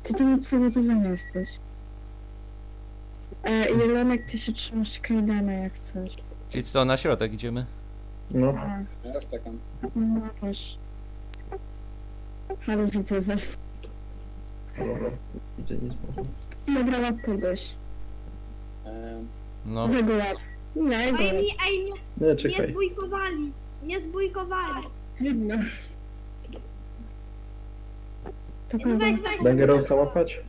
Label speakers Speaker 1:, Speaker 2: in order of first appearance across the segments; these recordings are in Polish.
Speaker 1: Ty tam od sabotowania jesteś. Jelonek, ty się trzymasz kajdana jak coś.
Speaker 2: Czyli co, na środek idziemy?
Speaker 3: No,
Speaker 1: A,
Speaker 4: Ja już czekam.
Speaker 1: no też. Ale widzę was.
Speaker 3: dobra. Widzę nic może.
Speaker 1: Dobra, łap kogoś.
Speaker 2: No,
Speaker 1: Jego łap. Ja jego łap.
Speaker 5: Ej,
Speaker 3: Nie,
Speaker 5: nie
Speaker 3: czekaj.
Speaker 5: zbójkowali. Nie zbójkowali.
Speaker 1: Trudno. To
Speaker 5: No
Speaker 1: kogo?
Speaker 5: weź.
Speaker 3: Dangerousa łapać?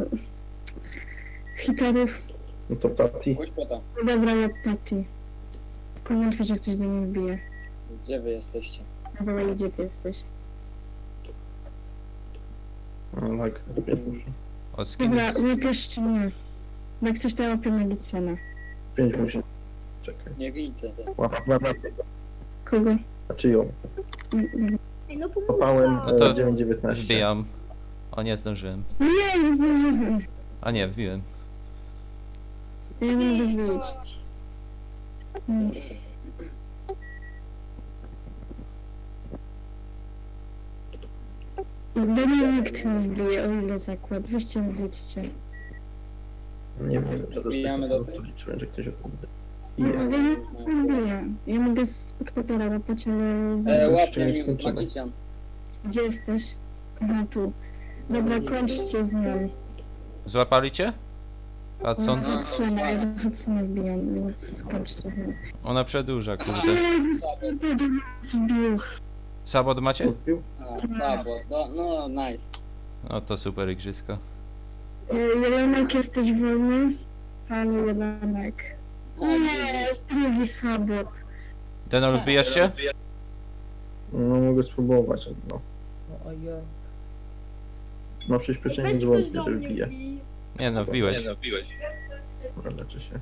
Speaker 1: Hitarów.
Speaker 3: No to Patty.
Speaker 4: Pójdź po to.
Speaker 1: Dobra, łap Patty. Powątpię, że ktoś do mnie wbije.
Speaker 4: Gdzie wy jesteście?
Speaker 1: Dobra, gdzie ty jesteś?
Speaker 3: O, tak. Muszę.
Speaker 2: od skiny.
Speaker 1: Dobra, łapiesz czy nie? Jak coś to ja łapię Magicjana.
Speaker 3: 5 musi. Czekaj.
Speaker 4: Nie widzę.
Speaker 3: Łap.
Speaker 1: Kogo?
Speaker 3: Znaczy ją.
Speaker 5: Ej, no pomóż
Speaker 3: Kopałem
Speaker 2: No to
Speaker 3: 9,19.
Speaker 2: Wbijam. O, nie zdążyłem.
Speaker 1: Nie zdążyłem.
Speaker 2: A nie, wbiłem.
Speaker 1: Ja nie mogę wbić. Do mnie nikt nie wbije, o ile zakład. Weźcie mi zjedźcie.
Speaker 3: Nie wiem, czy
Speaker 4: Wbijamy do tej?
Speaker 3: liczyłem, że ktoś odbędzie.
Speaker 1: No, ale ja nie wbiję. Ja mogę z spektatora łapać, ale...
Speaker 4: Łapie
Speaker 3: nie
Speaker 4: mi
Speaker 3: skończymy.
Speaker 4: magician.
Speaker 1: Gdzie jesteś? Aha, tu. Dobra, kończcie z nią.
Speaker 2: Złapali cię? Hudson?
Speaker 1: Hudsona, ja do Hudsona wbijam, więc skończcie z nią.
Speaker 2: Ona przedłuża, kurde.
Speaker 1: Wbił.
Speaker 2: Sabot macie?
Speaker 3: Odbił?
Speaker 4: No, nice.
Speaker 2: No to super igrzysko.
Speaker 1: Jelonek, jesteś wolny? Panie Jelonek. Nie, drugi sabot.
Speaker 2: Denol, wbijasz się?
Speaker 3: No mogę spróbować. No. No przyspieszenie
Speaker 5: Weź
Speaker 3: nie
Speaker 5: ktoś
Speaker 3: wątpię,
Speaker 5: do
Speaker 3: że
Speaker 5: mnie
Speaker 3: wbije.
Speaker 5: wbij.
Speaker 2: Nie no, wbiłeś.
Speaker 3: Dobra, leczy się.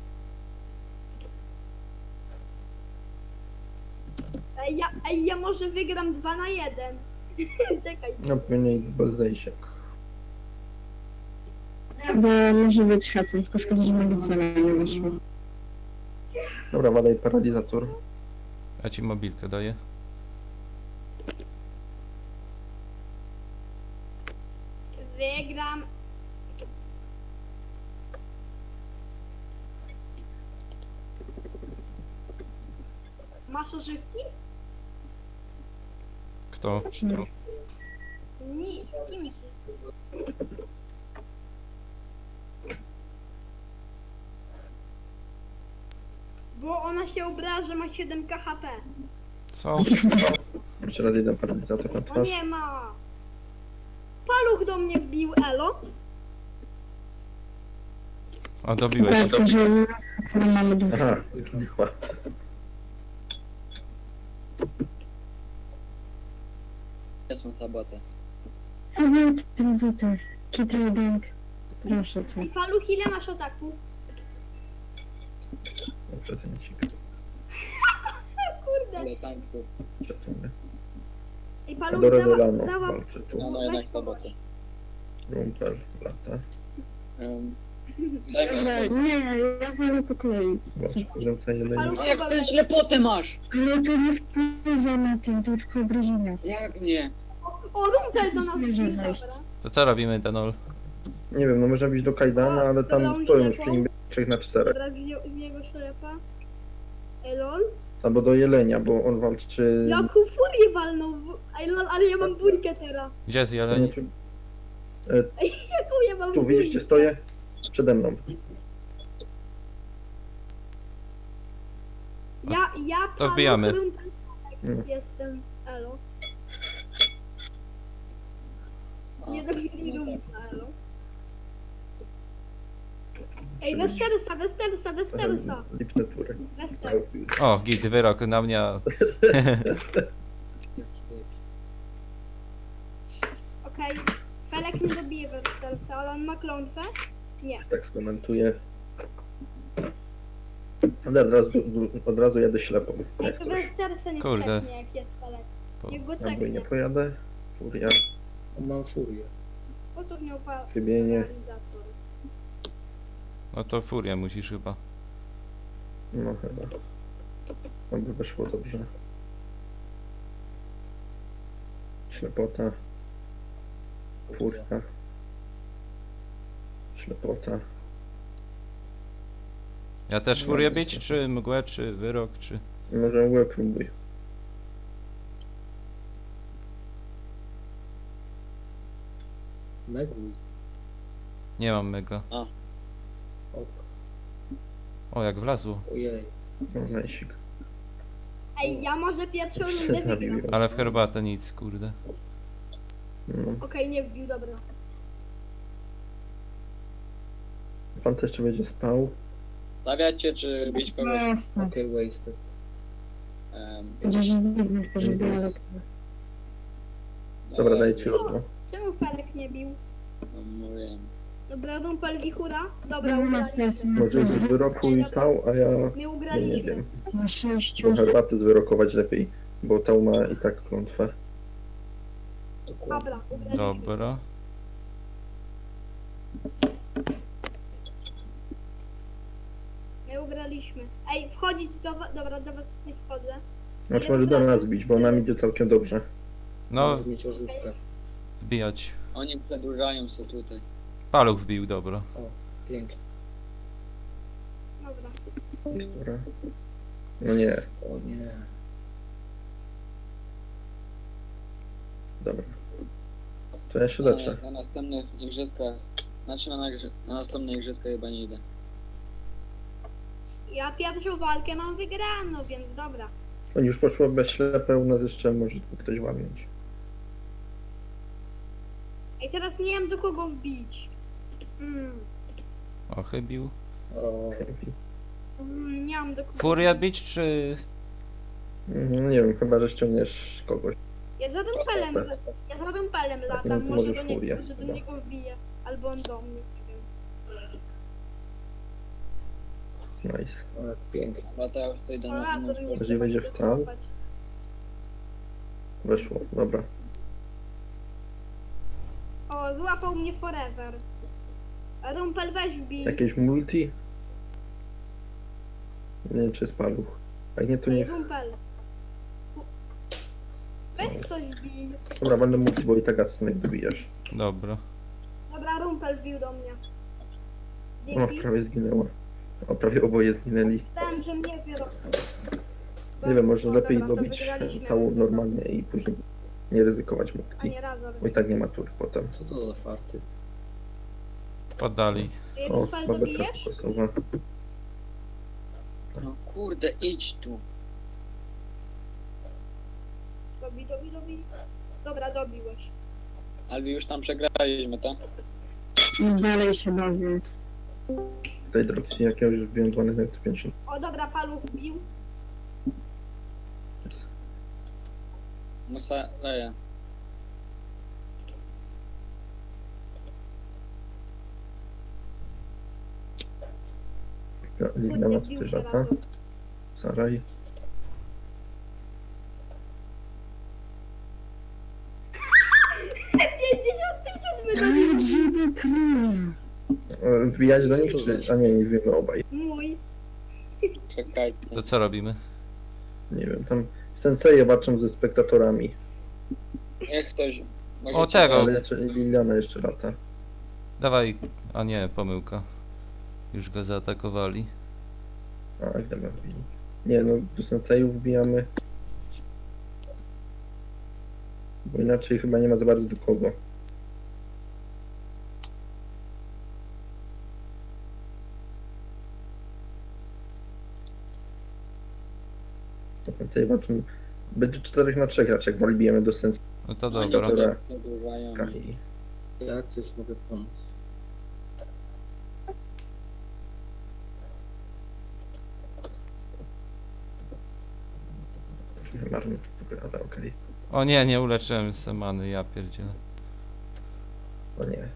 Speaker 5: Ej, ja może wygram 2 na 1. Czekaj.
Speaker 3: No mniej bez zejsiek.
Speaker 1: To może być Hudson, tylko szkoda, że Magicjana nie wyszło.
Speaker 3: Dobra, badaj paralizator.
Speaker 2: Ja ci mobilkę daję.
Speaker 5: Wygram. Masz ożywki?
Speaker 2: Kto?
Speaker 1: Nie.
Speaker 5: Nie, kim ci? Bo ona się obraża, że ma 7 KHP.
Speaker 2: Co?
Speaker 3: Jeszcze raz jeden paralizator na
Speaker 5: O
Speaker 3: twarz.
Speaker 5: nie ma. Paluch do mnie wbił, elo.
Speaker 2: O, dobiłeś.
Speaker 1: Tak, że z Hudsonem mamy dwóch
Speaker 3: Aha,
Speaker 1: sabotów.
Speaker 3: zginęła.
Speaker 4: Gdzie są saboty?
Speaker 1: Sabot, ten za ty. Kitredank. Proszę cię.
Speaker 5: I paluch, ile masz ataku?
Speaker 3: Prezencik.
Speaker 5: Kurde.
Speaker 4: Ale tańcu.
Speaker 3: Przetunę.
Speaker 5: I paluch
Speaker 3: Adoro
Speaker 5: załap.
Speaker 3: walczy tu.
Speaker 4: No jednak saboty.
Speaker 3: Rumper lata.
Speaker 4: Daj
Speaker 1: Dobra,
Speaker 4: mi
Speaker 1: nie, ja wolę po kolei. Co?
Speaker 3: Rzucę jeleni.
Speaker 4: No jak ty ślepotę masz?
Speaker 1: Ale to nie wpływa na tym, to tylko obrażenia.
Speaker 4: Jak nie?
Speaker 5: O, Rumpel do nas
Speaker 1: Może
Speaker 5: wbił,
Speaker 1: wejść.
Speaker 5: dobra.
Speaker 2: To co robimy, Denol?
Speaker 3: Nie wiem, no można być do Kajdana, ale tam
Speaker 5: Dobra,
Speaker 3: stoją już
Speaker 5: ślepą.
Speaker 3: przy nim 3 na 4.
Speaker 5: Dobra, w jego ślepa. Elol.
Speaker 3: Albo do jelenia, bo on walczy...
Speaker 5: Jaką furię walnął. Ale ja mam burkę teraz.
Speaker 2: Gdzie jest
Speaker 3: To
Speaker 2: jeleń?
Speaker 3: znaczy-
Speaker 5: Jaką ja mam
Speaker 3: Tu
Speaker 5: burkę?
Speaker 3: widzicie, stoję przede mną.
Speaker 5: Ja
Speaker 2: To
Speaker 5: paluch,
Speaker 2: wbijamy.
Speaker 5: Rumpel,
Speaker 3: Mm.
Speaker 5: jestem elo. Nie zabili Rumpa, elo. Ej, Westersa.
Speaker 3: Lipne tury.
Speaker 5: Wester.
Speaker 2: O, git, wyrok na mnie.
Speaker 5: Okej. Felek nie dobije Westersa, ale on ma klątwę? Nie.
Speaker 3: Tak skomentuję. Ale od razu jadę ślepo.
Speaker 5: Ej,
Speaker 3: Jak
Speaker 5: to
Speaker 3: coś.
Speaker 5: Westersa nie
Speaker 2: Kurde.
Speaker 5: czeknie, jak jest Felek.
Speaker 2: Po-
Speaker 5: Niech go
Speaker 3: Ja bój nie
Speaker 5: czeknie.
Speaker 3: pojadę. Furia,
Speaker 6: Mam furię.
Speaker 5: Po co miał
Speaker 3: chybienie.
Speaker 5: paralizator?
Speaker 2: No to furię musisz chyba.
Speaker 3: No chyba. Aby weszło dobrze. Ślepota. Furia. Ślepota.
Speaker 2: Ja też furię bić, czy mgłę, czy wyrok, czy...
Speaker 3: Może mgłę próbuj.
Speaker 6: Megwój.
Speaker 2: Nie mam mega.
Speaker 6: Ok.
Speaker 2: O, jak wlazło.
Speaker 6: Ojej.
Speaker 3: No, najsik.
Speaker 5: Ej, ja może pierwszą rundę
Speaker 3: Zabił
Speaker 5: wygram.
Speaker 3: ją.
Speaker 2: Ale w herbatę nic, kurde.
Speaker 3: No.
Speaker 5: Okej, nie wbił, dobra.
Speaker 3: Pan też jeszcze będzie spał.
Speaker 4: Stawiacie czy bić kogoś?
Speaker 1: Jasne.
Speaker 6: Okej, wasted.
Speaker 1: Chociaż dziwne, żeby ale...
Speaker 3: Dobra, daję ci logo.
Speaker 5: Czemu Felek nie bił?
Speaker 4: No, mówię.
Speaker 5: Dobra, Rumpel Wichura. Dobra,
Speaker 1: No,
Speaker 5: ugraliśmy.
Speaker 3: Może z wyroku i tał, a ja
Speaker 5: My
Speaker 3: nie
Speaker 5: ugraliśmy.
Speaker 3: wiem.
Speaker 1: Na 6.
Speaker 3: Bo herbaty zwyrokować lepiej, bo tał ma i tak klątwę.
Speaker 6: Dokładnie.
Speaker 5: Dobra, ugraliśmy.
Speaker 2: Dobra.
Speaker 5: My ugraliśmy. Ej, wchodzić do was. Dobra, do was nie wchodzę.
Speaker 3: Znaczy może do nas bić, bo nam idzie całkiem dobrze.
Speaker 2: No,
Speaker 6: Możesz mieć ożywkę.
Speaker 2: wbijać.
Speaker 4: Oni przedłużają się tutaj.
Speaker 2: Paluch wbił, dobra.
Speaker 6: Pięknie.
Speaker 5: Dobra.
Speaker 3: Która? No nie,
Speaker 6: O nie.
Speaker 3: dobra. To ja się leczę.
Speaker 4: Na następnych igrzyskach. Znaczy na następne igrzyska chyba nie idę.
Speaker 5: Ja pierwszą walkę mam wygraną, więc dobra.
Speaker 3: Oni już poszło bez ślepe, u nas jeszcze może tu ktoś walnąć.
Speaker 5: Ej, teraz nie wiem do kogo wbić.
Speaker 2: O, chybił.
Speaker 6: O,
Speaker 5: Nie mam do kogo.
Speaker 2: Furię bić, czy...
Speaker 3: Nie wiem, chyba że ściągniesz kogoś.
Speaker 5: Ja za Rumpelem, ja za Rumpelem
Speaker 3: no
Speaker 5: latam,
Speaker 3: to
Speaker 5: może
Speaker 3: może
Speaker 5: do niego,
Speaker 3: Furię,
Speaker 5: może do
Speaker 3: chyba.
Speaker 5: niego wbije. Albo on do mnie, nie wiem.
Speaker 3: Nice.
Speaker 6: o, jak pięknie.
Speaker 4: Chyba to ja już tutaj do
Speaker 5: O, Razor nie
Speaker 3: Jeżeli
Speaker 5: trzeba
Speaker 3: będzie
Speaker 5: się
Speaker 3: w tam?
Speaker 5: cofać.
Speaker 3: Weszło, dobra.
Speaker 5: O, złapał mnie forever. Rumpel, weź wbij.
Speaker 3: Jakieś multi? Nie wiem, czy jest paluch. Jak nie, to
Speaker 5: Ej,
Speaker 3: nie.
Speaker 5: Rumpel. Weź ktoś wbij.
Speaker 3: Dobra, będę multi, bo i tak asynek dobijasz.
Speaker 2: Dobra.
Speaker 5: Dobra, Rumpel wbił do mnie.
Speaker 3: O,
Speaker 5: Dzięki.
Speaker 3: prawie zginęła. O, prawie oboje zginęli.
Speaker 5: Myślałem, że mnie biorą.
Speaker 3: Nie wiem, może
Speaker 5: O,
Speaker 3: lepiej
Speaker 5: dobra, to
Speaker 3: dobić
Speaker 5: wygraliśmy.
Speaker 3: tału normalnie i później nie ryzykować
Speaker 5: A
Speaker 3: multi.
Speaker 5: nie, Razor.
Speaker 3: Bo i tak nie ma tur potem.
Speaker 6: Co to za farty?
Speaker 2: Poddali.
Speaker 5: Ej,
Speaker 3: O,
Speaker 5: Rumpel,
Speaker 3: babeczka
Speaker 5: dobijesz?
Speaker 3: kokosowa.
Speaker 4: No kurde, idź tu.
Speaker 5: Dobij. Dobra, dobiłeś.
Speaker 4: Albi już tam przegraliśmy, tak?
Speaker 1: Dalej się bawię.
Speaker 3: Tutaj Droxy jakiegoś już wbiłem 1250.
Speaker 5: O, dobra, paluch wbił.
Speaker 4: Musa leje.
Speaker 3: Liliana
Speaker 5: Kurde,
Speaker 3: tutaj
Speaker 5: wbił się
Speaker 3: lata.
Speaker 5: Razor.
Speaker 3: Saraj.
Speaker 1: Ale żeby król.
Speaker 3: Wbijać do nich, czy... A nie wiemy obaj.
Speaker 5: Mój.
Speaker 4: Czekajcie.
Speaker 2: To co robimy?
Speaker 3: Nie wiem, tam senseje walczą ze spektatorami.
Speaker 4: Niech ktoś...
Speaker 2: O, tego.
Speaker 3: Ale jeszcze Liliana jeszcze lata.
Speaker 2: Dawaj. A nie, pomyłka. Już go zaatakowali.
Speaker 3: A, gdzie my wbili? Nie, no do sensejów wbijamy. Bo inaczej chyba nie ma za bardzo do kogo. Do sensei walczą. Będzie 4 na 3 raczej, jak wbijemy do sensei.
Speaker 2: No to
Speaker 4: Oni
Speaker 2: dobra.
Speaker 3: Dobra.
Speaker 4: przedłużają.
Speaker 3: i
Speaker 6: Jak coś mogę pomóc?
Speaker 3: marnie ale okej.
Speaker 2: O nie, nie uleczyłem semany, ja pierdzielę.
Speaker 3: No nie.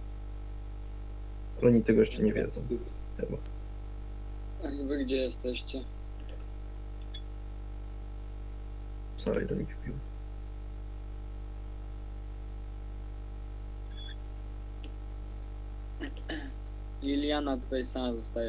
Speaker 3: Oni tego jeszcze nie wiedzą. Chyba.
Speaker 4: A wy gdzie jesteście?
Speaker 3: Saraj do nich wbił.
Speaker 4: Liliana tutaj sama zostaje.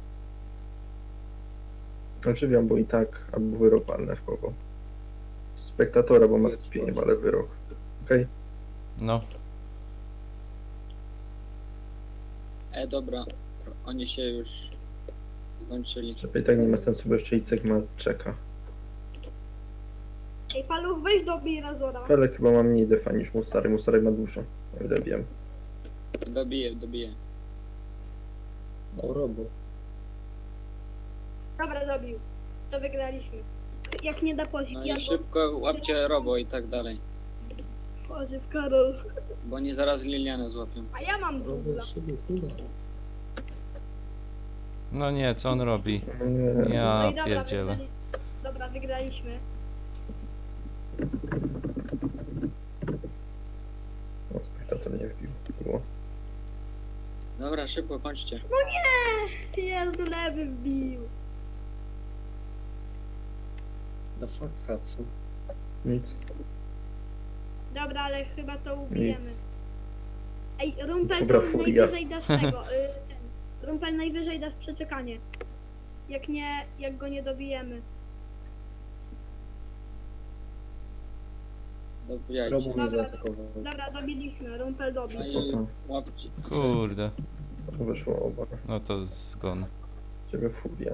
Speaker 3: Oczywiście, bo i tak, albo wyrok palne w kogo. spektatora, bo ma skupienie, ma lewy rok. Okej?
Speaker 2: No,
Speaker 4: Dobra. Oni się już skończyli.
Speaker 3: Żeby i tak nie ma sensu, bo jeszcze Icek ma czeka.
Speaker 5: Ej, Paluch, weź dobij Razora.
Speaker 3: Felek chyba ma mniej defa niż Musary. Musary ma dużo, o ile wiem.
Speaker 4: Dobiję.
Speaker 6: No robo.
Speaker 5: Dobra, dobił. To wygraliśmy. Jak nie da Polski,
Speaker 4: No i
Speaker 5: albo...
Speaker 4: szybko łapcie robo i tak dalej.
Speaker 5: Boże, Karol.
Speaker 4: Bo oni zaraz Lilianę złapią.
Speaker 5: A ja mam
Speaker 6: Robo
Speaker 5: dubla.
Speaker 6: sobie kurwa.
Speaker 2: no nie, co on robi?
Speaker 3: Nie,
Speaker 5: No
Speaker 2: Ja
Speaker 5: i dobra,
Speaker 2: pierdzielę.
Speaker 5: Dobra, wygraliśmy.
Speaker 3: o, spektator nie wbił. Było.
Speaker 4: Dobra, szybko kończcie.
Speaker 5: Jezu, lewy wbił.
Speaker 6: The fuck Hudson.
Speaker 3: Nic.
Speaker 5: Dobra, ale chyba to ubijemy. Ej, Rumpel,
Speaker 3: Dobra,
Speaker 5: to
Speaker 3: furia.
Speaker 5: najwyżej dasz tego. Rumpel, najwyżej dasz przeczekanie. Jak nie, jak go nie dobijemy.
Speaker 4: Dobijajcie.
Speaker 6: Robo mnie
Speaker 5: Dobra.
Speaker 6: zaatakował.
Speaker 5: Dobra, dobiliśmy. Rumpel dobił.
Speaker 4: No i łapcie.
Speaker 2: Kurde,
Speaker 3: Wyszło oba.
Speaker 2: no to zgon.
Speaker 3: Ciebie furia.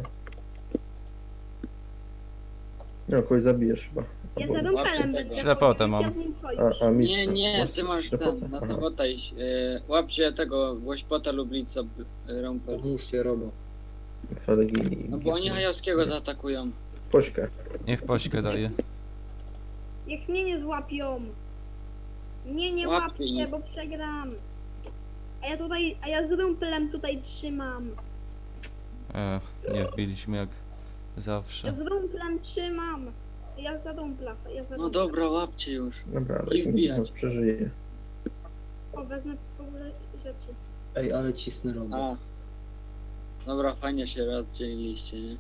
Speaker 3: No, kogoś zabijesz chyba.
Speaker 5: Ja
Speaker 3: Albo-
Speaker 5: za Rumpelem
Speaker 4: tego.
Speaker 5: będę.
Speaker 2: Ślepotę mam.
Speaker 5: Ja z nim sojusz.
Speaker 3: A mi...
Speaker 4: Nie,
Speaker 3: masz
Speaker 4: ty masz
Speaker 3: ślepotę?
Speaker 4: ten, na
Speaker 3: Aha.
Speaker 4: sabota iść. Łapcie tego Głośpota Lublica Rumpel.
Speaker 6: Pomóżcie Robo.
Speaker 3: Felek i...
Speaker 4: No bo oni Hajowskiego zaatakują.
Speaker 3: Pośkę.
Speaker 2: Niech pośkę daje.
Speaker 5: Niech mnie nie złapią. Mnie nie
Speaker 4: Łapie
Speaker 5: łapcie,
Speaker 4: ich.
Speaker 5: bo przegram. A ja z Rumpelem tutaj trzymam.
Speaker 2: Nie wbiliśmy jak
Speaker 5: Ja
Speaker 2: zawsze.
Speaker 5: z Rumplem trzymam. Ja za Rumpla.
Speaker 4: No dobra, łapcie już.
Speaker 3: Dobra, ale
Speaker 4: I wbijać.
Speaker 3: nas przeżyje.
Speaker 5: O, wezmę w ogóle rzeczy.
Speaker 6: Ej, ale cisnę Robo.
Speaker 4: A. Dobra, fajnie się rozdzieliliście, nie?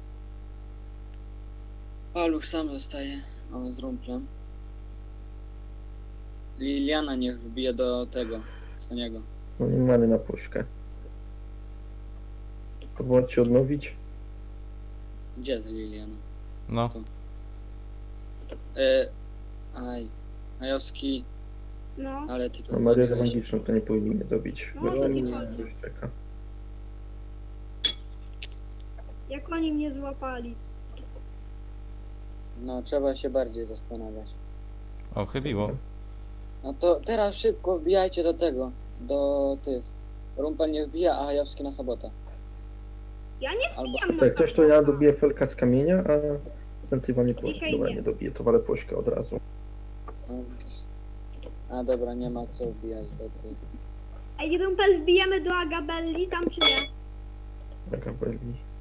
Speaker 4: Paluch sam zostaje. O, z Rumplem. Liliana niech wbije do tego, Staniego.
Speaker 3: No nie mamy na pośkę. Próbować się odnowić?
Speaker 4: Gdzie jest Liliana?
Speaker 2: No,
Speaker 4: Aj. Hajowski,
Speaker 5: No,
Speaker 4: ale ty to
Speaker 3: No Marię
Speaker 4: zrobiłeś.
Speaker 3: magiczną to nie powinni mnie dobić.
Speaker 5: No,
Speaker 3: Bo
Speaker 5: o co ci
Speaker 3: nie
Speaker 5: chodzi?
Speaker 3: już czeka.
Speaker 5: jak oni mnie złapali.
Speaker 4: No, trzeba się bardziej zastanawiać.
Speaker 2: o, chybiło.
Speaker 4: No to teraz szybko wbijajcie do tego, do tych. Rumpel nie wbija, a Hajowski na sabota.
Speaker 5: Ja nie
Speaker 4: Albo
Speaker 5: wbijam na
Speaker 3: Tak, coś to ja
Speaker 5: sabota.
Speaker 3: dobiję Felka z kamienia, a więcej wam nie poszło.
Speaker 5: Dzisiaj
Speaker 3: Dobra,
Speaker 5: nie.
Speaker 3: nie dobiję, to walę pośkę od razu.
Speaker 4: A dobra, nie ma co wbijać do tych.
Speaker 5: Ej, Rumpel, wbijemy do Agabelli tam czy nie?
Speaker 3: Jaka byli.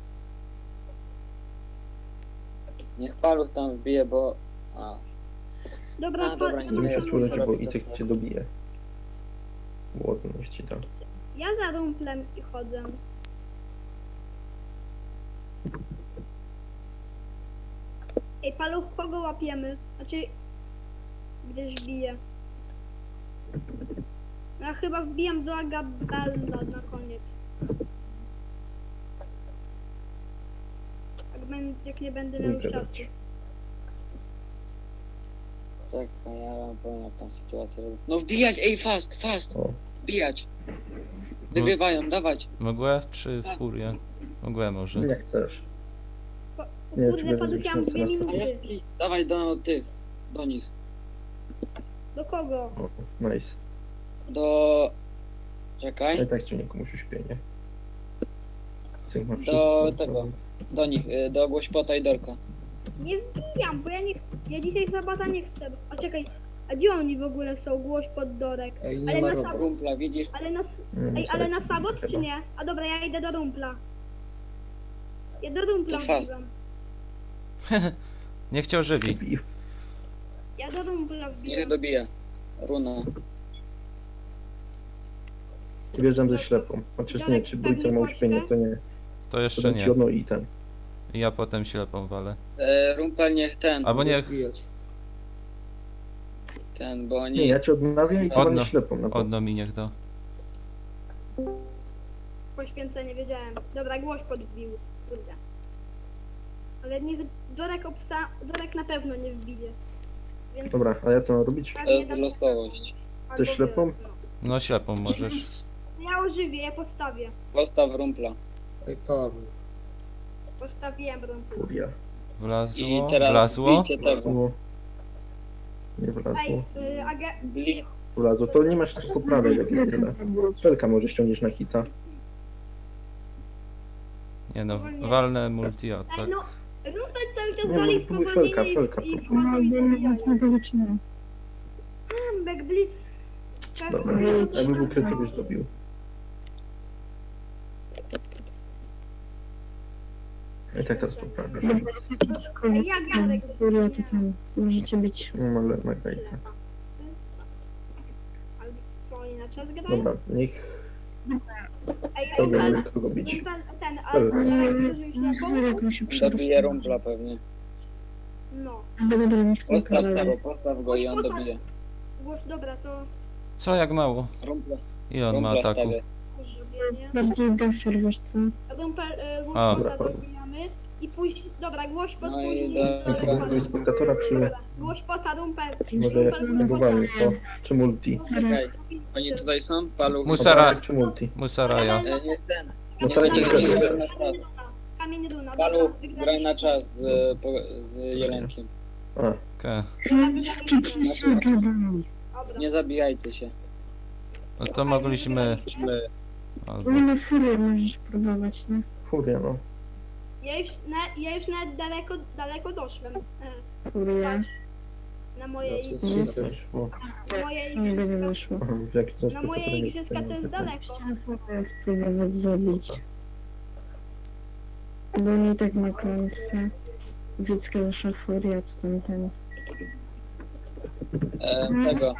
Speaker 4: Niech Paluch tam wbije, bo...
Speaker 5: Dobra,
Speaker 4: A, dobra,
Speaker 5: ja
Speaker 3: Nie
Speaker 5: mam
Speaker 3: musisz
Speaker 5: tam-
Speaker 3: czuć, bo Icek cię dobije. Głodność ci da.
Speaker 5: Ja za Rumplem i chodzę. Ej, Paluch, kogo łapiemy? Znaczy, gdzieś wbije. Ja chyba wbijam do Agabella na koniec. Jak nie będę miał już
Speaker 3: Pójdę
Speaker 5: czasu.
Speaker 3: dać.
Speaker 4: Czekaj, ja wam powiem jak tam sytuacja. No wbijać, ej, fast!
Speaker 3: O.
Speaker 4: Wbijać! Wygrywają, dawać!
Speaker 2: Mgłę czy furię? Mgłę może.
Speaker 3: Nie chcesz.
Speaker 5: O
Speaker 3: Nie, czy
Speaker 5: kurde,
Speaker 3: będzie
Speaker 5: Paluch, ja mam 2
Speaker 3: 16?
Speaker 4: A
Speaker 5: minuty.
Speaker 4: ja dawaj do tych, do nich.
Speaker 5: Do kogo?
Speaker 3: O, nice.
Speaker 4: Do...
Speaker 3: No
Speaker 4: Czekaj,
Speaker 3: i tak ci nie komuś uśpienie. Icek ma
Speaker 4: do
Speaker 3: wszystko.
Speaker 4: tego, do nich, do Głośpota i Dorka.
Speaker 5: Nie wbijam, bo ja dzisiaj sabata nie chcę. A czekaj, a gdzie oni w ogóle są? Głoś pod dorek.
Speaker 6: Ej,
Speaker 5: Ale
Speaker 6: nie ma
Speaker 5: na
Speaker 6: Robo.
Speaker 5: sam-
Speaker 4: Rumpla, widzisz?
Speaker 3: Nie,
Speaker 5: Ej, ale na
Speaker 3: Icek
Speaker 5: sabot czy
Speaker 3: chyba.
Speaker 5: nie? A dobra, ja idę do rumpla. Ja do rumpla
Speaker 4: To fast.
Speaker 5: wbijam.
Speaker 2: Nie chciał żywi.
Speaker 3: Dobił.
Speaker 5: Ja do rumpla
Speaker 4: Niech
Speaker 5: wbijam.
Speaker 4: dobije. Runa.
Speaker 3: I wjeżdżam ze ślepą. Chociaż nie, czy bójce ma uśpienie, to nie.
Speaker 2: To
Speaker 3: To
Speaker 2: jeszcze
Speaker 3: dam ci
Speaker 2: nie.
Speaker 3: jedno i ten.
Speaker 2: I ja potem ślepą walę.
Speaker 4: Rumpel niech ten,
Speaker 2: Albo niech
Speaker 6: Wbijać.
Speaker 4: bo oni...
Speaker 3: Nie, ja cię odnawiam i
Speaker 2: Odno-
Speaker 3: chyba ślepą na to.
Speaker 2: odno mi niech da.
Speaker 5: Poświęcenie, wiedziałem. Dobra, głoś podbił. Kurde. Ale niech Dorek na pewno nie wbije. Więc
Speaker 3: Dobra, a ja co mam robić?
Speaker 4: To jest losowość.
Speaker 5: albo
Speaker 3: Ty ślepą?
Speaker 5: wy, no.
Speaker 2: No ślepą możesz.
Speaker 5: Ja ożywię, ja postawię.
Speaker 4: Postaw rumpla.
Speaker 6: Ej, Paweł.
Speaker 5: Postawiłem rumpla.
Speaker 3: Furia.
Speaker 2: Wlazło?
Speaker 4: I teraz
Speaker 2: Wlazło?
Speaker 4: bijcie tego.
Speaker 3: Wlazło. Nie
Speaker 5: Ej,
Speaker 3: wlazło.
Speaker 4: Bli...
Speaker 3: Wlazło, to nie masz co poprawiać, jak jest tyle. Felka może ściągniesz na hita.
Speaker 2: Nie no, walne
Speaker 5: Ej,
Speaker 2: multi-atak.
Speaker 5: no, rumpel cały czas
Speaker 3: Nie,
Speaker 5: wali
Speaker 3: no, próbuj felka,
Speaker 5: spowolnienie
Speaker 3: felka.
Speaker 5: i
Speaker 1: No,
Speaker 5: wchodzą i
Speaker 1: bo nie
Speaker 5: zabijają.
Speaker 1: można go wytrzymać.
Speaker 5: Back blitz. Tak,
Speaker 3: Dobra,
Speaker 5: blitz,
Speaker 3: jakby był krytyk, byś dobił. I tak teraz poprawię.
Speaker 5: Ej, jak Jarek
Speaker 1: Furia to tam możecie być.
Speaker 3: Nie ma Margarita.
Speaker 5: Ale co oni na czas grają?
Speaker 3: Dobra, niech
Speaker 5: Ej,
Speaker 3: to
Speaker 5: rumpel,
Speaker 3: będzie kogo bić.
Speaker 5: rumpel, ten, a
Speaker 3: Dobra.
Speaker 5: ktoś ślepą?
Speaker 1: Jak mi się
Speaker 4: Dobije rumpla pewnie.
Speaker 5: No.
Speaker 1: Dobra, niech to
Speaker 4: Postaw
Speaker 1: pokaże.
Speaker 4: tego, postaw go i on dobije.
Speaker 5: Głoś, dobra, to
Speaker 2: Co, jak mało?
Speaker 4: Rumpla.
Speaker 2: I on ma
Speaker 4: Rumpla
Speaker 2: ataku.
Speaker 4: stawię.
Speaker 5: zrobienie.
Speaker 1: Bardziej gafer, wiesz co?
Speaker 5: Rumpel,
Speaker 2: A.
Speaker 5: rumpel dobijamy. I pójść, dobra, głoś pod
Speaker 4: No i
Speaker 3: Kogoś spektatora czy
Speaker 5: Dobra, głoś pota, rumpel.
Speaker 3: może jak próbowali, co? Czy multi?
Speaker 4: Czekaj, oni tutaj są? Paluch.
Speaker 2: Musara.
Speaker 3: Obrazek czy multi?
Speaker 2: Musaraja.
Speaker 4: Nie ten.
Speaker 3: No
Speaker 4: Nie,
Speaker 3: to
Speaker 4: nie,
Speaker 3: jest
Speaker 4: nie,
Speaker 3: też-
Speaker 4: graj na czas.
Speaker 5: Kamień runa,
Speaker 4: Paluch,
Speaker 5: dobra,
Speaker 4: graj na czas z jelenkiem.
Speaker 3: A,
Speaker 2: Okej.
Speaker 1: Skiczycie gadaj.
Speaker 5: Dobra.
Speaker 4: Nie zabijajcie się.
Speaker 2: No to mogliśmy... Albo...
Speaker 1: Nie ma furii, możesz próbować, nie?
Speaker 3: furia, no.
Speaker 5: Ja już nawet daleko doszłem.
Speaker 1: Furia.
Speaker 5: Patrz, na mojej
Speaker 6: Zasłuchaj.
Speaker 3: O,
Speaker 5: na moje
Speaker 1: Nie będzie
Speaker 5: igrzyska.
Speaker 1: wyszło.
Speaker 3: aha, w jaki sposób
Speaker 5: Na moje
Speaker 3: to nie-
Speaker 5: igrzyska to jest daleko.
Speaker 1: Chciałam sobie spróbować zabić. Bo nie tak ma klątwę. Widzka wasza furia, to tamten.
Speaker 4: Tego.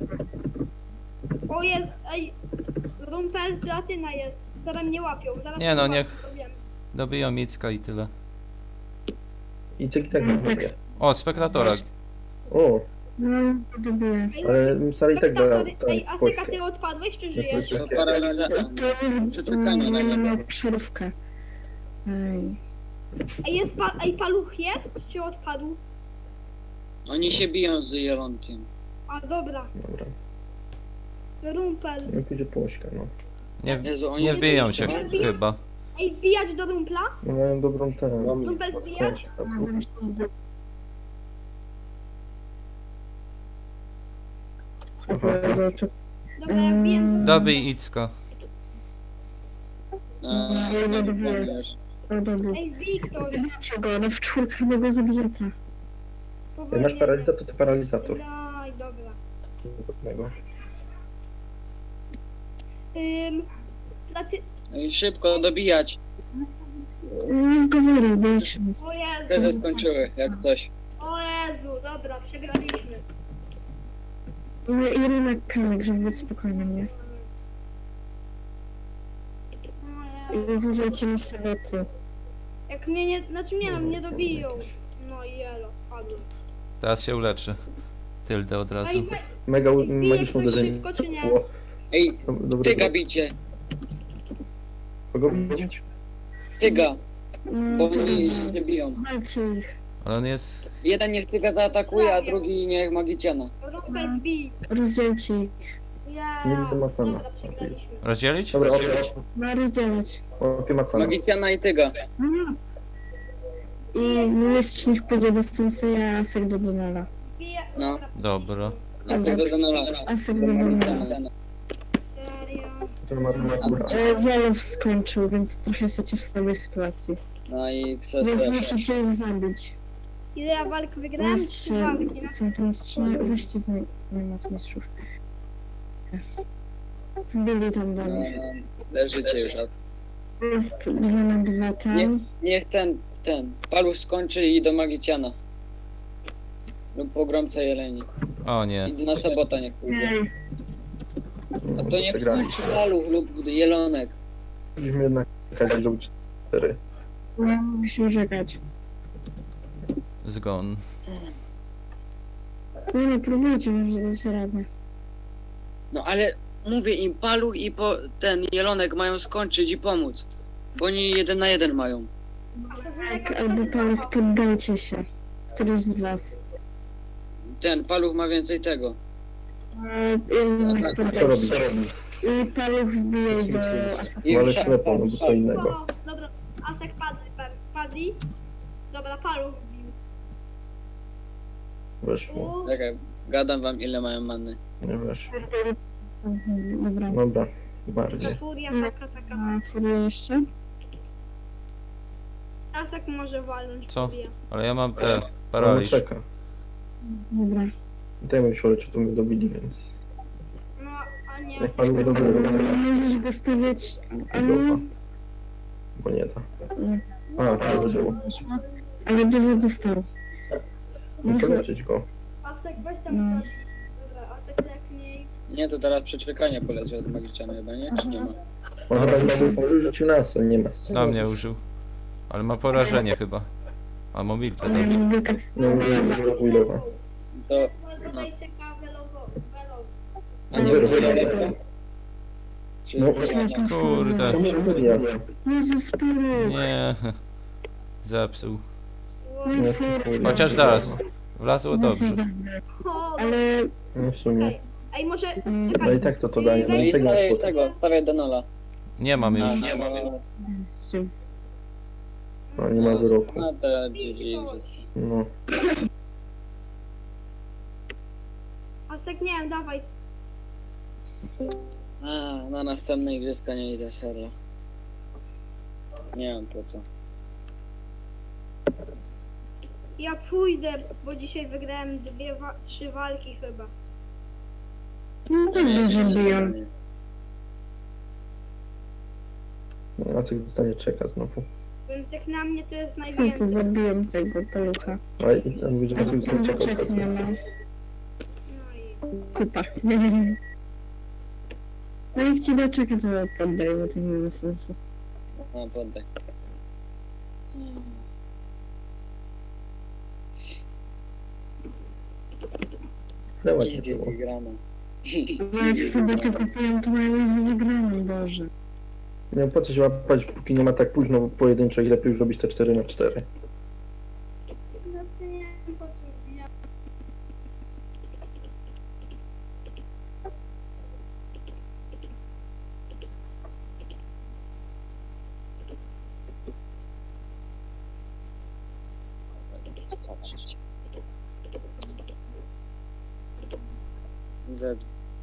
Speaker 5: O jest, ej, rumpel platyna jest. Zaraz mnie łapią. Zaraz
Speaker 2: Nie no,
Speaker 5: mnie
Speaker 2: niech-
Speaker 5: łapią, wiem.
Speaker 2: Dobiją Micka i tyle.
Speaker 3: I tak tak nie zrobię.
Speaker 2: O, spektatora.
Speaker 3: O,
Speaker 1: No, dobiję.
Speaker 5: Ej,
Speaker 3: ale Musara i tak da
Speaker 5: spektatory, ej,
Speaker 3: tak
Speaker 5: Asyka, ty odpadłeś czy żyjesz?
Speaker 4: To paraliza...
Speaker 1: To jest
Speaker 4: Przeczekanie na
Speaker 1: nie
Speaker 4: niego.
Speaker 1: ma przerwkę. Ej.
Speaker 5: Ej, ej, paluch jest? Czy odpadł?
Speaker 4: Oni się biją z jelonkiem.
Speaker 5: A dobra,
Speaker 3: Dobra,
Speaker 5: rumpel.
Speaker 3: nie pójdzie płośka, no.
Speaker 2: Nie,
Speaker 4: Jezu, oni
Speaker 2: nie wbiją się chyba.
Speaker 5: Ej, wbijać do rumpla?
Speaker 3: No mają dobrą tę.
Speaker 6: Mam
Speaker 5: Rumpel wbijać? Dobra, ja wbiję.
Speaker 2: Dobij Icka.
Speaker 1: Ja nie dobiję.
Speaker 5: Ej, wbij ktoś.
Speaker 1: Zabijcie go, ale w czwórkę go zabijecie.
Speaker 3: Jak masz paralizator, to paralizator.
Speaker 5: Daj, dobra.
Speaker 3: Podobnego.
Speaker 5: Platy...
Speaker 4: I szybko dobijać.
Speaker 1: Nie powoli, wiesz.
Speaker 5: O
Speaker 4: Te
Speaker 5: Jezu,
Speaker 4: skończyły, jak coś.
Speaker 5: o Jezu, dobra, przegraliśmy.
Speaker 1: I rynek kamek, żeby być spokojny, nie?
Speaker 5: O Jezu.
Speaker 1: I uważajcie na saboty.
Speaker 5: Jak mnie nie, znaczy nie, no, mnie dobiją. No i jelo, padłem.
Speaker 2: Teraz się uleczy. Tyldę od razu.
Speaker 5: Ej,
Speaker 3: Mega
Speaker 5: bije
Speaker 3: magiczne
Speaker 5: ktoś
Speaker 3: uderzenie.
Speaker 5: szybko, czy nie?
Speaker 3: Było.
Speaker 4: Ej,
Speaker 3: Dobre.
Speaker 4: tyga bicie.
Speaker 3: Kogo bić?
Speaker 4: Tyga, bo
Speaker 1: To
Speaker 4: oni się biją.
Speaker 1: walcie ich.
Speaker 2: Ale on jest...
Speaker 4: Jeden niech tyga zaatakuje, a drugi niech magiciana.
Speaker 5: Rumpel bij.
Speaker 1: Rozdzielcie ich.
Speaker 5: Ja.
Speaker 3: Nie widzę Macana.
Speaker 5: Dobra, przegraliśmy.
Speaker 2: Rozdzielić?
Speaker 3: Dobra,
Speaker 1: Ma rozdzielać.
Speaker 3: łapie Macana.
Speaker 4: Magiciana i tyga.
Speaker 1: I mistrz niech pójdzie do Sensei, a Asek do Donala.
Speaker 5: Bije.
Speaker 4: No.
Speaker 2: Dobra.
Speaker 4: A ty do Danola.
Speaker 1: Asek do Donala.
Speaker 5: Serio.
Speaker 3: To ma góra.
Speaker 1: Zalew skończył, więc trochę jesteście w słabej sytuacji.
Speaker 4: No i
Speaker 1: Więc
Speaker 4: krzesło.
Speaker 1: musicie ich zabić.
Speaker 5: Ile ja walk wygrałem? 3
Speaker 1: Mistrze,
Speaker 5: walki.
Speaker 1: są to mistrze, weźcie z mat mistrzów. Wbili tam do
Speaker 4: No,
Speaker 1: nich.
Speaker 4: leżycie już.
Speaker 1: Jest 2 na 2 tam.
Speaker 4: Niech ten paluch skończy i do magiciana. Lub pogromca jeleni.
Speaker 2: O nie.
Speaker 4: I na sabota niech pójdzie. A to niech
Speaker 3: Przegrali.
Speaker 4: kończy paluch lub jelonek.
Speaker 3: Musimy jednak jakaś zrobić 4.
Speaker 1: No, musimy czekać.
Speaker 2: Zgon.
Speaker 1: Nie, próbujcie, może dać radę.
Speaker 4: No ale mówię im, paluch i ten jelonek mają skończyć i pomóc. Bo oni 1 na 1 mają.
Speaker 1: Tak, albo paluch, poddajcie się. Któryś z was.
Speaker 4: ten paluch ma więcej tego.
Speaker 3: Co robisz?
Speaker 1: I paluch wbije do
Speaker 3: No
Speaker 1: asesyna.
Speaker 3: ale ślepo, no bo co innego.
Speaker 5: O, dobra, Asek padli. Dobra, paluch wbił.
Speaker 3: Weszło.
Speaker 4: Czekaj, gadam wam ile mają many.
Speaker 3: Nie weszło.
Speaker 1: Dobra.
Speaker 3: Dobra, bardziej.
Speaker 5: Furia taka.
Speaker 1: A furię jeszcze?
Speaker 5: Asek może walnąć
Speaker 2: Co?
Speaker 5: furię.
Speaker 2: Ale ja mam te
Speaker 3: Ale
Speaker 2: paraliż.
Speaker 3: czeka.
Speaker 1: Dobra.
Speaker 3: Dajmy się, czy to my dobili, więc...
Speaker 5: No, a nie,
Speaker 3: Jak
Speaker 5: Asek
Speaker 3: panu nie dobili,
Speaker 1: Możesz go stawiać...
Speaker 3: Dobra. Bo nie da. A, to zaczęło.
Speaker 1: Ale dużo dostał.
Speaker 3: Muszę leczyć go.
Speaker 5: Asek weź tam
Speaker 1: No.
Speaker 5: wchodzi. Dobra, Asek lekniej.
Speaker 4: Nie, to teraz przeczekanie poleci od magiczana chyba, nie? Czy nie ma?
Speaker 3: On chyba może rzucił nas, a nie ma.
Speaker 2: Na mnie użył. Ale ma porażenie chyba. A mobilkę
Speaker 1: Ale
Speaker 2: tam.
Speaker 1: mobilka.
Speaker 3: Nie może zawilowa.
Speaker 4: To...
Speaker 5: Tutaj czeka velowo.
Speaker 4: A nie
Speaker 3: Wyrwę.
Speaker 4: użyję. Czy...
Speaker 3: No,
Speaker 2: Kurde.
Speaker 3: Co się wybija?
Speaker 1: Jezus, paluch.
Speaker 2: Nie. Zepsuł.
Speaker 3: Nie, chuj.
Speaker 2: Chociaż zaraz. Wlazło dobrze.
Speaker 1: Ale...
Speaker 3: No w sumie.
Speaker 5: Ej, może...
Speaker 1: Mm,
Speaker 3: No i tak to daje. No
Speaker 4: No
Speaker 3: i
Speaker 4: i
Speaker 3: tego
Speaker 4: stawiaj
Speaker 3: spod...
Speaker 4: tego, stawiaj Denola.
Speaker 2: Nie mam już.
Speaker 3: No nie ma wyroku.
Speaker 4: No to GG.
Speaker 3: No.
Speaker 5: Asek, nie wiem, dawaj.
Speaker 4: A, na następne igrzyska nie idę, serio. Nie mam po co.
Speaker 5: Ja pójdę, bo dzisiaj wygrałem 3 walki chyba.
Speaker 1: No tak dużo biją.
Speaker 3: No, Jacek dostanie czeka znowu.
Speaker 5: Więc jak na mnie to jest
Speaker 1: Co to
Speaker 5: najwięcej.
Speaker 1: zabiłem tego palucha?
Speaker 3: A i on mówi, że Jacek dostanie czeka.
Speaker 1: Czek nie ma.
Speaker 5: No i...
Speaker 1: Kupa. No jak ci doczeka, to poddaj, bo to nie ma sensu.
Speaker 4: No, poddaj.
Speaker 3: Leła nie
Speaker 4: Idzie
Speaker 3: było.
Speaker 4: wygrana.
Speaker 1: No jak sobie to kupują, to mają już wygraną, Boże.
Speaker 3: Nie po co się łapać, póki nie ma tak późno pojedynczo i lepiej już robić te 4x4.
Speaker 5: No to nie wiem po co ja...
Speaker 4: Z.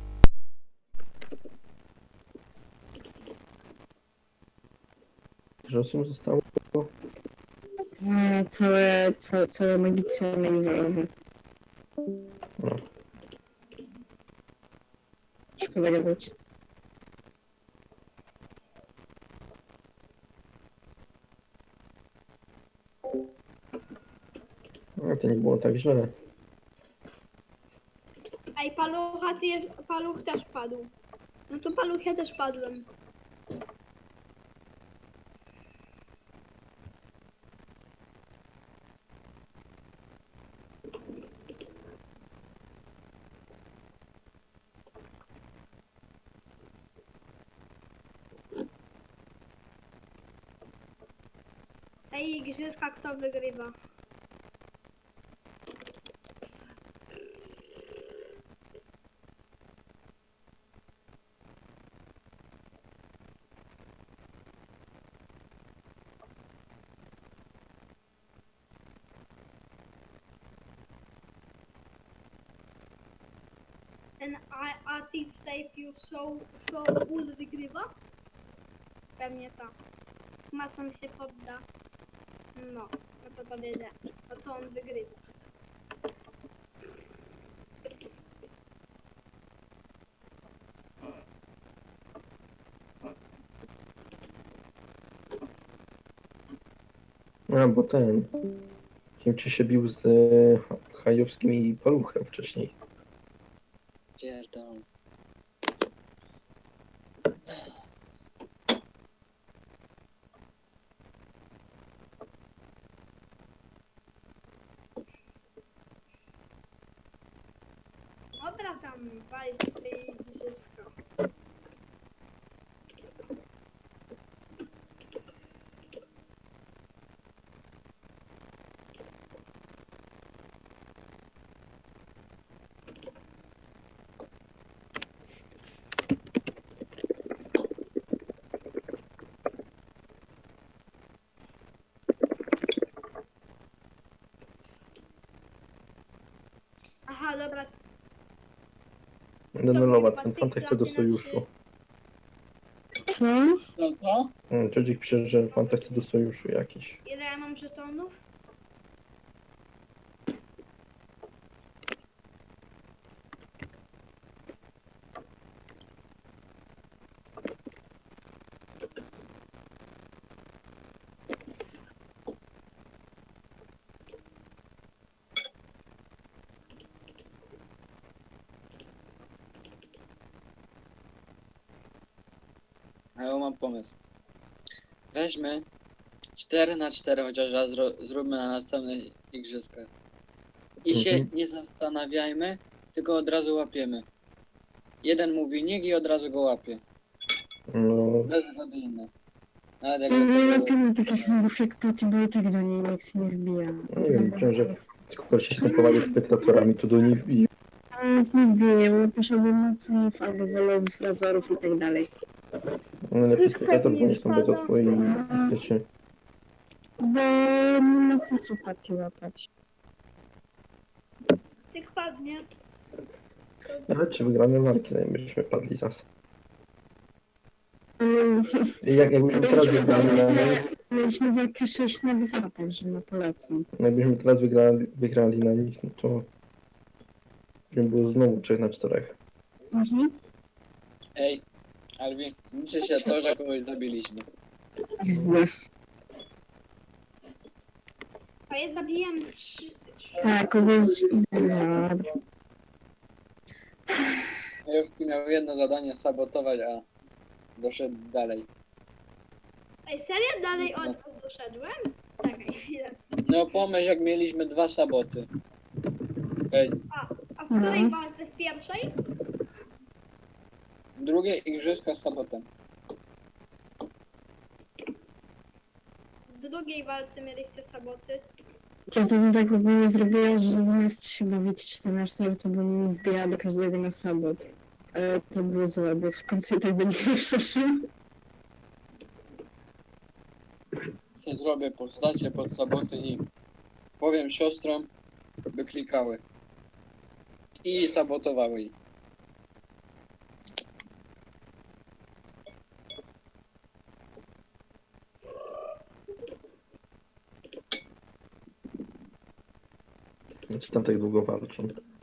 Speaker 3: Że osób zostało?
Speaker 1: No, całe magiczne międzynarodowe.
Speaker 3: No.
Speaker 1: Szkoda gadać.
Speaker 3: No to nie było tak źle.
Speaker 5: Ej, paluch też padł. No to paluch ja też padłem. Ej, igrzyska kto wygrywa? Ten Acid Save You So Full wygrywa? Pewnie tak. Macon się podda. No to powiedzie. No to on wygrywa.
Speaker 3: A, bo ten... Kimci się bił z Hajowskim i Paluchem wcześniej.
Speaker 4: Pierdolę.
Speaker 5: Dobra tam, walić tej igrzyska. Aha, dobra.
Speaker 3: Denulować, ten Fantek chce do sojuszu.
Speaker 1: Co?
Speaker 4: No to?
Speaker 3: Ciodzik pisze, że Fantek chce do sojuszu jakiś.
Speaker 5: Ile ja mam żetonów?
Speaker 4: Ale mam pomysł. Weźmy 4 na 4 chociaż raz zróbmy na następnych igrzyskach. I się
Speaker 3: Mhm.
Speaker 4: nie zastanawiajmy, tylko od razu łapiemy. Jeden mówi niech i od razu go łapie.
Speaker 3: No,
Speaker 4: Bez zgody innej. Nawet
Speaker 1: Ja nie
Speaker 4: jakby to
Speaker 1: łapiemy takich mobów jak Patty, bo i tak do niej nikt się nie wbija.
Speaker 3: nie wiem, liczę, że tylko się stępowali spektatorami, to do nich i
Speaker 1: Nie wbije, łapiesz albo moców, albo wolów, razorów i tak dalej.
Speaker 3: no, lepiej spektator, bo nie są bezotwo i wiecie.
Speaker 1: Bo nie ma sensu Patty łapać.
Speaker 5: Tych padnie.
Speaker 3: Nawet czy wygramy marki, zanim byśmy padli zas.
Speaker 1: Mm,
Speaker 3: I jakbyśmy teraz wygrali na nich,
Speaker 1: Mieliśmy walkę 6 na 2, także no polecam.
Speaker 3: jakbyśmy teraz wygrali na nich, no to by było znowu 3 na 4.
Speaker 1: Mhm.
Speaker 4: Ej, Albi, liczy się to, że kogoś zabiliśmy.
Speaker 1: Widzę.
Speaker 5: A ja zabiłem 3.
Speaker 1: Tak, kogoś... Dobra.
Speaker 4: Jowski miał jedno zadanie sabotować, a doszedł dalej.
Speaker 5: Ej, serio? Dalej od doszedłem? Czekaj chwilę.
Speaker 4: No pomyśl jak mieliśmy 2 saboty. Ej,
Speaker 5: A w której walce? W pierwszej?
Speaker 4: drugie igrzyska z sabotem.
Speaker 5: W drugiej walce mieliście saboty.
Speaker 1: Ja to bym tak ogólnie zrobiła, że zamiast się bawić 14, to bym wbijała do każdego na sabot. Ale to było złe, bo w końcu i tak będzie nie przeszło.
Speaker 4: Co zrobię postacie pod saboty i powiem siostrom, by klikały. I sabotowały ich.
Speaker 3: Czy tam tak długo walczą?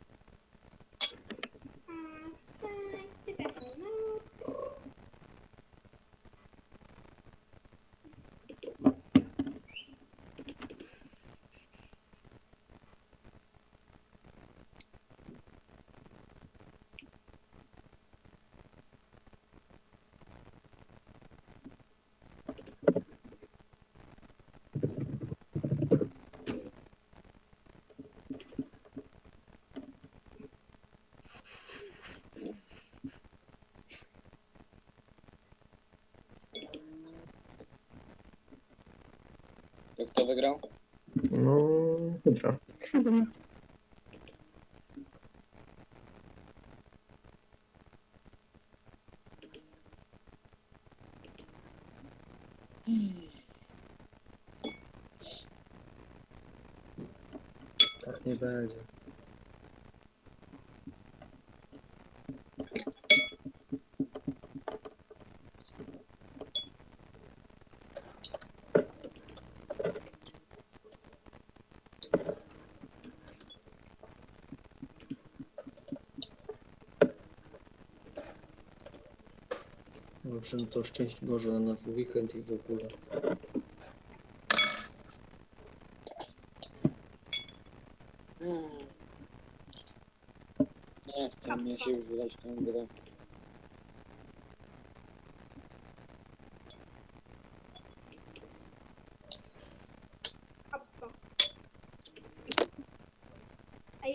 Speaker 4: To kto wygrał?
Speaker 3: No, Hydra.
Speaker 1: Chyba.
Speaker 6: Tak nie będzie. Dobrze, no to szczęść Boże na nowy weekend i w ogóle.
Speaker 4: Nie chcę mnie się wylać tą grę.